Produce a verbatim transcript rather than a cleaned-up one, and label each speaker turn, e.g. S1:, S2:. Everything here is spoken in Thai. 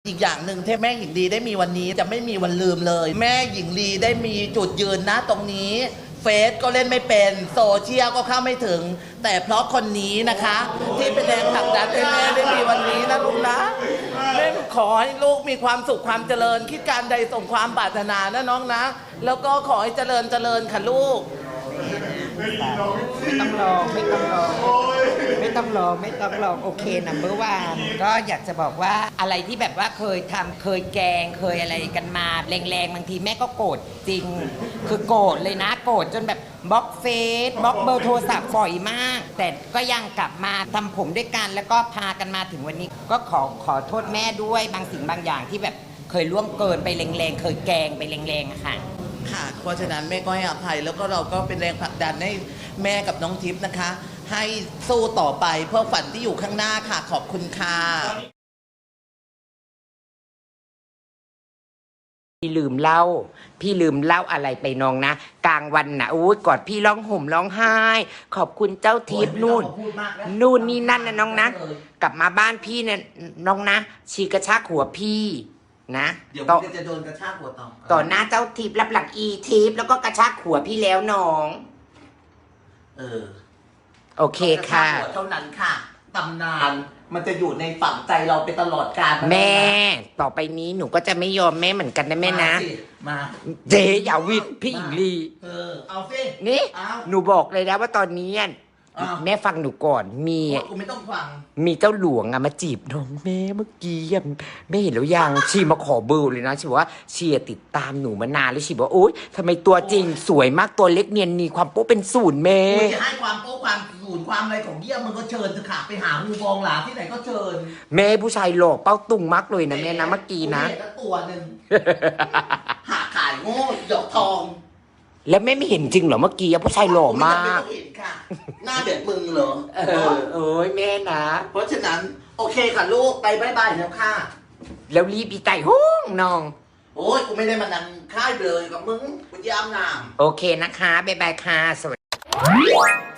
S1: อีกอย่างหนึ่งที่แม่หญิงลีได้มีวันนี้จะไม่มีวันลืมเลย แม่หญิงลีได้มีจุดยืนนะตรงนี้เฟซก็เล่นไม่เป็นโซเชียลก็เข้าไม่ถึง แต่เพราะคนนี้นะคะ ที่เป็นแรงผลักดันให้แม่ได้มีวันนี้นะลูกนะแม่ขอให้ลูกมีความสุขความเจริญคิดการใดส่งความปรารถนานะน้องนะ แล้วก็ขอให้เจริญเจริญค่ะลูก
S2: ไม่ต้องรอไม่ต้องรอไม่ต้องรอไม่ต้องรอโอเคนัมเบอร์วันก็อยากจะบอกว่าอะไรที่แบบว่าเคยทำเคยแกงเคยอะไรกันมาแรงๆบางทีแม่ก็โกรธจริงคือโกรธเลยนะโกรธจนแบบบล็อกเฟซบล็อกเบอร์โทรศัพท์ฝ่อยมาก แต่ก็ยังกลับมาทำผมด้วยกันแล้วก็พากันมาถึงวันนี้ก็ขอขอโทษแม่ด้วยบางสิ่งบางอย่างที่แบบเคยล่วงเกินไปแรงๆเคยแกงไปแรงๆอะค่ะ
S1: ค่ะเพราะฉะนั้นแม่ก็ให้อภัยแล้วก็เราก็เป็นแรงผลักดันให้แม่กับน้องทิพย์นะคะ ให้สู้ต่อไปเพื่อฝันที่อยู่ข้างหน้าค่ะขอบคุณค่ะ
S2: พี่ลืมเล่าพี่ลืมเล่าอะไรไปน้องนะกลางวันนะอุ้ยกอดพี่ร้องห่มร้องไห้ขอบคุณเจ้าทิพย์นู่นนู่นนี่นั่นนะน้องนะกลับมาบ้านพี่เนี่ยน้องนะชีกระชากหัวพี่นะ
S1: เดี๋ยวพี่จะโดนกระชากหัวต่อ
S2: ต่อหน้าเจ้าทิพย์รับหลังอีทิพย์แล้วก็กระชากหัวพี่แล้วน้อง
S1: เออ
S2: โอเคค่ะ
S1: เท่านั้นค่ะตำนานมันจะอยู่ในฝังใจเราไปตลอดกาล
S2: แม่ต่อไปนี้หนูก็จะไม่ยอมแม่เหมือนกันนะแม่นะ
S1: มา
S2: เจ๊อย่าวิดพี่หญิงลี
S1: เออเอาสิ
S2: นี่หนูบอกเลยนะว่าตอนนี้แม่ฟังหนูก่อนมี
S1: กูไม่ต้องฟัง
S2: มีเจ้าหลวงอะมาจีบน้องแม่เมื่อกี้แม่เห็นแล้วยังชีมาขอเบอร์เลยนะชีบอกว่าชีติดตามหนูมานานแล้วชีบอกโอ๊ยทำไมตัวจริงสวยมากตัวเล็กเนียนมีความโป๊เป็นศูนย์แม่
S1: มึงจะให้ความโป๊ความศูนย์ความอะไรของเยี่ยมมึงก็เชิญเถอะค่ะไปหาฮูบองหลาที่ไหนก็เชิญ
S2: แม่ผู้ชายหล่อเป้าตุงมากเลยนะแม่นะเมื่อกี้นะ
S1: ตัวหนึ่งหาขายโง่หยอกทอง
S2: แล้วแม่ไม่เห็นจริงเหรอเมื่อกี้ผู้ชายหล่อมาก
S1: ไม่เห็นค่ะหน้าแบบมึงเหรอ
S2: เออเอ้ยแม่นะ
S1: เพราะฉะนั้นโอเคค่ะลูกไปบายบายแล้วค่ะ
S2: แล้วรีบอีไก่ห้องน้อง
S1: โอ้ยกูไม่ได้มานั่งค่ายเลยกับมึงกูยามนาม
S2: โอเคนะคะบายบายค่ะสวัสดี